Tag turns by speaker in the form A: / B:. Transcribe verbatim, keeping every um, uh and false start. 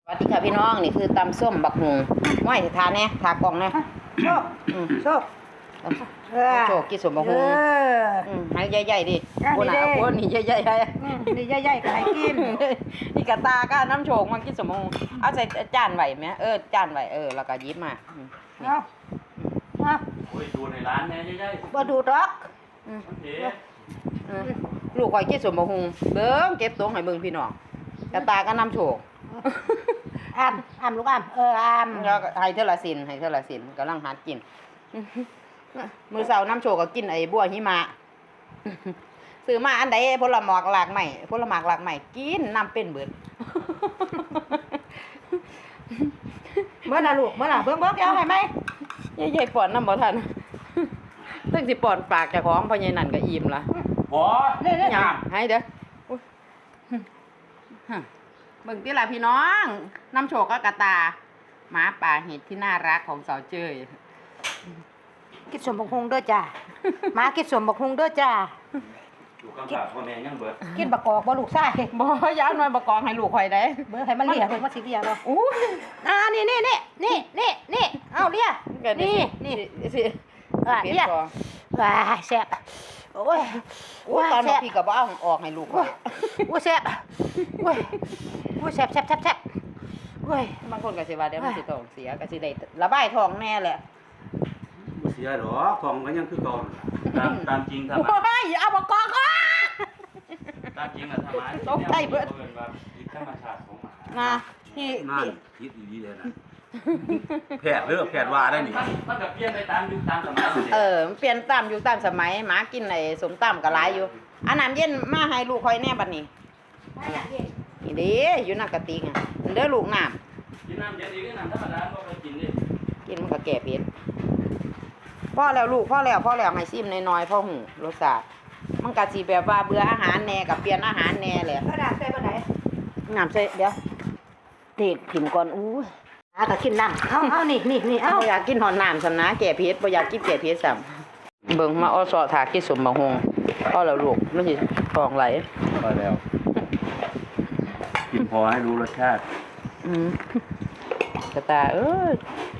A: สวัสดีค่ะพี่น้องนี่คือตำส้มบักหุงม้อยทานแน่ทากล่องแน่
B: โชคโชค
A: โชคกินสมบักหุงให้ใหญ่ๆดิโอ้น่ะโอ้นี่ใหญ่ๆ
B: นี่ใหญ่ๆก็ให้กิน
A: นี่กระตาก็น้ำโชกมันกินสมบักหุงเอาใส่จานไว้ไหมเออจานไว้เออแล้วก็ยิบมา
B: เอาเอา
C: โอ้ยดูในร้านแน่ใหญ่ๆ
B: บ่ดูดอก
A: ลูกข่อยกินสมบักหุงเบิ่งเก็บตรงให้เบิ่งพี่น้องกระตาก็น้ำโชก
B: อ้ำอ้ำลูกอ้ำเอออ้ำ
A: แล้วให้เท่าละสินให้เท่าละสินกำลังหัดกินมือเสาน้ำโชกก็กินไอ้บัวหิมะซื้อมาอันใดผลหมากหลากใหม่ผลหมากหลากใหม่กินน้ำเป็นเบิด
B: เมื่อน่ะลูกเมื่อน่ะเบิ่งเบิ่งเดี๋ยวให้ไหม
A: ใหญ่ๆปอนน้ำบ่ทันตึ้งสิปอนปากเจ้าของพ่อใหญ่นั่นก็อิ่มละ
C: บ่
B: นี่นี่
A: หยังให้เด้อเบิ่งติล่ะพี่น้องน้ำโชกก็กระตาหมาป่าเห็ดที่น่ารักของสาวเจ้ย
B: กินสมบักฮุงเด้อจ้ามากินสมบักฮุงเด้อจ้า
C: อยู่ข้างๆพ่อแม่ยังเบิด
B: กินบักกอกบ่ลูกชาย
A: บ่ยาวหน่อยบักกอกให้ลูกข่อยได้
B: เบิ่งให้มันเลียเบิ่งว่าสิเลียบ่
A: อู้
B: อ่านี่นี่นี่นี่นี่นี่เอาเลียนี่นี่
A: สิ
B: อ่าเลียว้าแซ่บโอ้ย
A: โอ้ตอนพี่ก็บ่เอาออกให้ลูกข่อย
B: โอ้แซ่บโอ้ยโอ้แซ่บแซ่บแซ่บแซ่บโอ้ย
A: บางคนก็สิว่าเดี๋ยวมันสิท้องเสียก็สิได้ระบายท้องแน่แหละ
C: บ่เสียดอกท้องก็ยังคือเก่าตามตามจริงทำไม
A: โอ้ยเอาบักกอกอ่ะ
C: ตามจริงน่ะทำไม
A: ตกใจเบิด
C: ว่าผิดธรรมชาติของหมา
A: นะที่
C: นั่นผิดอีหลีเลยนะแพทย์เด้อแพทย์ว่าได้นี่มันก็เปลี่ยนไปตามยุคตามสมัย
A: เออเปลี่ยนตามยุคตามสมัยหมากินไอ้สมตำก็หลายอยู่อันน้ำเย็นมาให้ลูกข่อยแน่บัดนี้นี่เด้อยู่น้ำกะติกอ่ะเด้อลูกน้ำ
C: กินน้ำเย็นอีกน้ำธรรมดาบ่ไปกินดิ
A: กินมันก็แก่เผ็ดพ่อแล้วลูกพ่อแล้วพ่อแล้วให้ซิมน้อยๆพ่อหูรสชาติมันก็สิแบบว่าเบื่ออาหารแน่กับเปลี่ยนอาหารแน่แหละ
B: กระดาษใส่บ่ไหน
A: น้ำใส่เดี๋ยวเทถิ่มก่อนอู้
B: อ่ะก็กินน้ำเอาเอานี่นี่นี่เอา
A: บ่อยากกินหอนน้ำซั่นนะแก่เผ็ดบ่อยากกินแก่เผ็ดซ้ำเบิ่งมาอ้อซอถากินสมบักฮงพ่อแล้วลูกมันสิท้องไหล
C: พอแล้วกินพอให้รู้รสชาติ
A: อืมกระตาเอ้ย